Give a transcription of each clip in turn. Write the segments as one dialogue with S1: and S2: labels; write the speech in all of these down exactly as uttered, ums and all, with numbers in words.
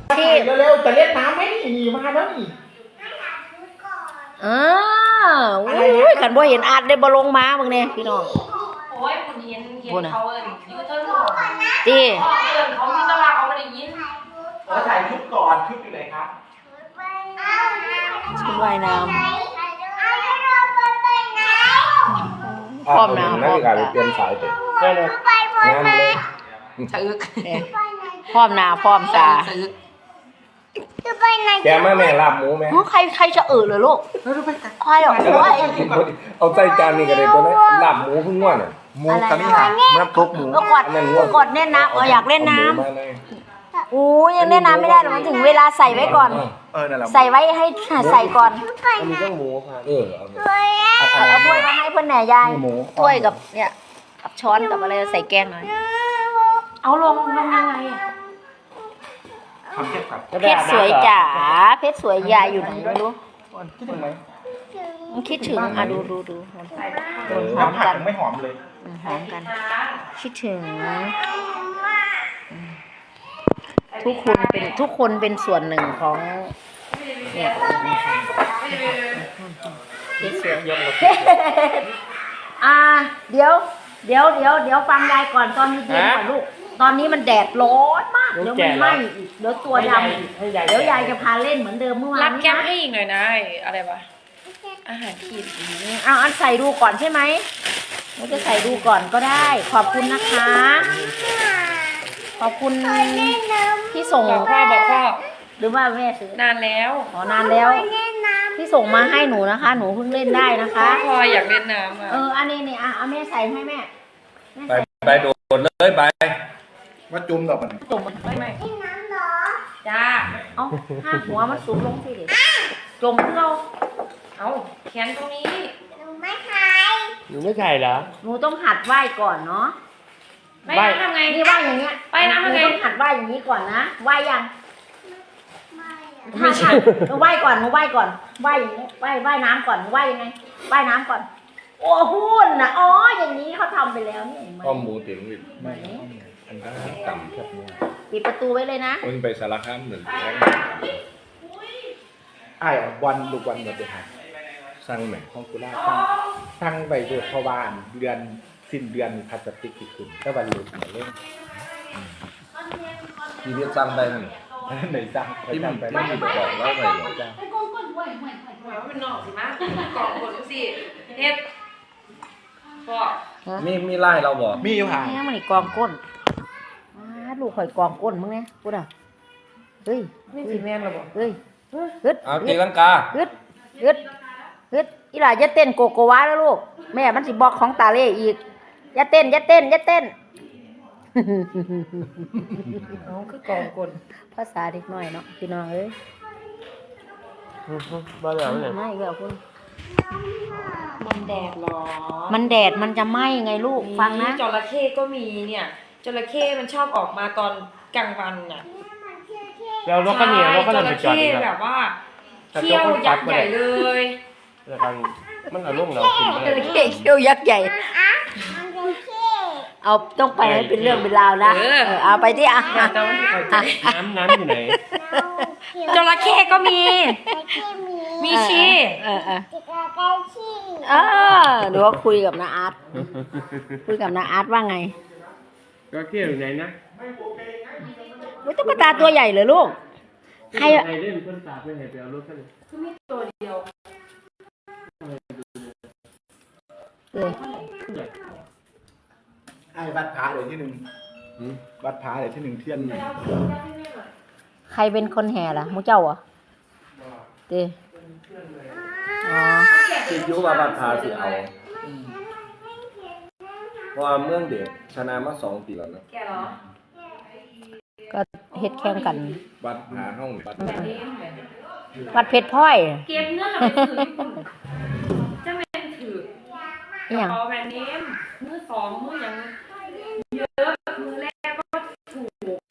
S1: ที่เร็วๆจะเล่นน้ำไหมนี่มาแล้วนี่
S2: เอออุ้ยขันบ่เห็นอาดได้บ่ลงมาเบิ่งแน่พี่น้อง
S3: โอ้ยคุณเห็นเห็นเขาเอิ้นยูเทิร์นเขา
S2: ติ
S3: เอิ้นเขามีตลาดเขาไม่ได้ยิน
S1: เราถ่ายชุดก่อนชุดอยู่ไหนครับ
S2: ชุดว่ายน้ำพร้อมน้ำพร้อมตา
S1: เปลี่ยนสายไปได้เลยน้ำเลย
S3: สะอึก
S2: พร้อมหน้าพร้อมตา
S1: แกแม่แม่ลาบหมูไหม
S2: ใครใครจะเอ่อเลยลูกใครอ่ะโอ้ย
S1: เอาใจจานนี่ก็ได้ตัวนี้ลาบหมูพึ่งง่วนอ่ะหมูกระดิ่งน้ำตกหมู
S2: กดกดเล่นน้ำอ๋ออยากเล่นน้ำโอ้ยังเล่นน้ำไม่ได้หรอกมันถึงเวลาใส่ไว้ก่อนใส่ไว้ให้ใส่ก่อน
S1: มีเครื่องหมูค่ะเออเอา
S2: เอาถ้วยมาให้เพื่อนแหน่ยายถ้วยกับเนี่ยกับช้อนกับอะไรใส่แกงหน่อยเอาลงลงยังไงเพชรสวยจ๋าเพชรสวยยายอยู่ไหนไม่รู้
S1: คิดถึงไหม
S2: มันคิดถึงอ่ะดูดูดู
S1: น้ำผักไม่หอมเลย
S2: หอมกันคิดถึงทุกคนเป็นทุกคนเป็นส่วนหนึ่งของเนี่ยเพชรสวยอ่าเดี๋ยวเดี๋ยวเดี๋ยวเดี๋ยวฟังยายก่อนตอนนี้เย็นก่อนลูกตอนนี้มันแดดร้อนมากเดี๋ยวมันไหม้อีกเดี๋ยวตัวดำเดี๋ยวยายจะพาเล่นเหมือนเดิมเมื่อวาน
S3: รับแก้มให้อีกหน่อยนะอะไรวะอาหารขีด
S2: เอาอันใส่ดูก่อนใช่ไหมเราจะใส่ดูก่อนก็ได้ขอบคุณนะคะขอบคุณที่ส่ง
S3: พ่อบอกพ่อ
S2: หรือว่าแม่ซื้อน
S3: านแล้ว
S2: อ๋อนานแล้วที่ส่งมาให้หนูนะคะหนูเพิ่งเล่นได้นะคะ
S3: พ่ออยากเล่นน้ำอ่ะ
S2: เอออันนี้นี่อ่ะเอาแม่ใส่ให้แม่
S1: ไปไปโดดเลยไปว่าจุ่มดอกมัน
S2: จุ่มมันไม่ไม่
S3: น้ำหรอจ้า
S2: เอาห้าหัวมันสูงลงสิเด็กจุ่มเรา
S3: เอาแขนตรงนี้
S2: หนูไม่ใช่
S1: หนูไม่ใช่เหรอ
S2: หนูต้องหัดไหว้ก่อนเนาะ
S3: ไม่ทำไง
S2: นี่ไหว้อย่างเงี้ย
S3: ไปน้ำทำไง
S2: ต้องหัดไหว้อย่างนี้ก่อนนะไหว้ยังไม่ใช่หนูไหว้ก่อนหนูไหว้ก่อนไหว้อย่างนี้ไหว้ไหว้น้ำก่อนหนูไหว้ยังไงไหว้น้ำก่อนโอ้หุ่นนะอ๋ออย่างนี้เขาทำไปแล้วนี่
S1: ข้อมูลถึงไม่อันนั้นต่ำครับ
S2: ปิดประตูไว้เลยนะ
S1: มันไปสารคามหนึ่งไอ้วันลูกวันหมดเลยครับสร้างแหม่ของกุล่าสร้างสร้างใบเดือดพวานเดือนสิ้นเดือนพลาสติกที่ขึ้นก็วันลุกมาเล่นทีนี้สร้างได้ไหมไหนสร้างที่มันไปไม่มีบอกว่าไงหรอจ้า
S3: เป็นหนอกสิมะกล่องคนสิเฮ็ด
S1: มีมีไล่เราบอก
S2: มีอยู่ห่างนี่มันอีกกองก้นลูกข่อยกองก้นมึงเนี่ยพูดอ่ะเฮ้ย
S3: นี่สีแม่นเราบอก
S2: เฮ้ยฮึด
S1: เอาตีลังกา
S2: ฮึดฮึดฮึดอีหล่าอย่าเต้นโกโกวาแล้วลูกแม่มันสิบอกของตาเล่อีกอย่าเต้นอย่าเต้นอย่าเต้น
S3: น้องคือกองก้น
S2: ภาษาเด็กน้อยเนาะพี่น้องเอ้ย
S1: บ้าแล้วเนี่ย
S2: ไม่เกี่ยวคุณ
S3: มันแดดหรอ
S2: มันแดดมันจะไหม้ไงลูกฟังนะ
S3: จระเข้ก็มีเนี่ยจระเข้มันชอบออกมาตอนกลางวันน่ะ
S1: แล้วรถก็เหนียวรถก็เลยไปจอด
S3: แบบว่าเขี้ยวยักษ์ใหญ่เลย
S1: แต่การมันอารมณ์เรา
S2: จระเข้เขี้ยวยักษ์ใหญ่เอาต้องไปให้เป็นเรื่องเป็นราวนะเอาไปที่อ่ะ
S1: น้ำน้ำอยู่ไหน
S3: จระเข้ก็มีมีชี
S2: เออเออเออเดี๋ยวคุยกับน้าอาร์ตคุยกับน้าอาร์ตว่าไง
S1: จระเข้อยู่ไหนนะ
S2: ไม่ตุ๊กตาตัวใหญ่เลยลูกใคร
S1: เล่นต้นตาไปไหนไปเอารถกัน
S3: คือมีตัวเดียว
S2: เลย
S1: ไอ้วัดผาเดี๋ยวที่หนึ่งวัดผาเดี๋ยวที่หนึ่งเที่ยน
S2: ใครเป็นคนแห่ล่ะมูเจ้าอ่ะเด้อ๋อ
S1: คิดยุว่าวัดผาสิเอาเพราะว่าเมืองเด็กชนะมาสองปีแล้วนะ
S2: ก็เฮ็ดแข่งกัน
S1: วัดผาห้องวัด
S2: วัดเพชรพลอย
S3: เก็บเงินเราไปถือจะแม่นถืออย่างแบรนด์เนมมือสองมือยังเยอะมือแรกก็ถูก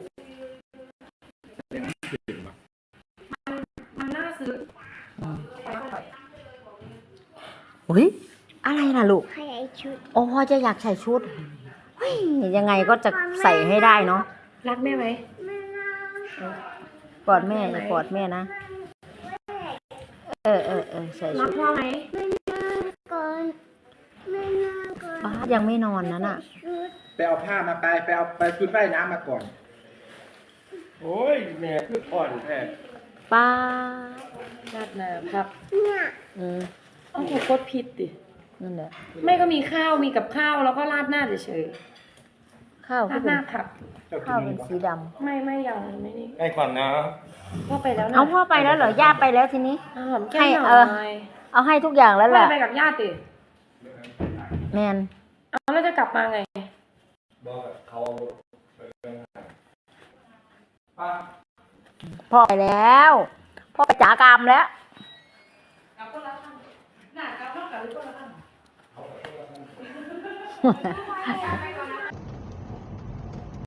S3: มันมันน่าซื้อ
S2: อุ้ยอะไรล่ะลูกใส่ชุดโอ้พ่อจะอยากใส่ชุดเฮ้ยยังไงก็จะใส่ให้ได้เนาะ
S3: รักแม่ไหม
S2: กอดแม่อย่ากอดแม่นะเออเออเออใส่
S3: รั
S2: ชุ
S3: ก
S2: ด
S3: พ่อไหม
S2: ป้ายังไม่นอนนะน่ะ
S1: ไปเอาผ้ามาไปไปเอาไปชุดว่ายน้ำมาก่อน
S4: โอ้ยแม่คืออ่อนแท้
S2: ป้า
S3: ราดน้ำครับ
S2: อืม
S3: ต้องถูกกดผิดดิ
S2: นั่นแหละ
S3: ไม่ก็มีข้าวมีกับข้าวแล้วก็ราดหน้าเฉย
S2: ข้าว
S3: ๆรา
S2: ที่
S3: ดห
S2: เป็น
S3: น้าผัก
S1: เจ้ากิ
S2: ข้าวน เป็
S1: เงิ
S2: น
S1: นก่อน
S2: สีดำ
S3: ไม่ไม่ยังไม่นี่
S4: ไอ้ก่อนนะ
S3: พ่อไปแล้วนะ
S2: เอาพ่อไปแล้วเหรอย่าไปแล้วทีนี้
S3: เอาหอมแก้ม
S2: ให้
S3: หน่
S2: เออ
S3: อย
S2: เอาให้ทุกอย่างแล้วแห
S3: พ่อ
S2: ละ
S3: ไปกับญาติดิ
S2: แมน
S3: เอาแล้วจะกลับมาไง
S4: บอกเขา
S2: พ่อไปแล้วพ่อไปจ๋ากามแล้ว
S3: หน้ากลับนอกกับหรือก็ละ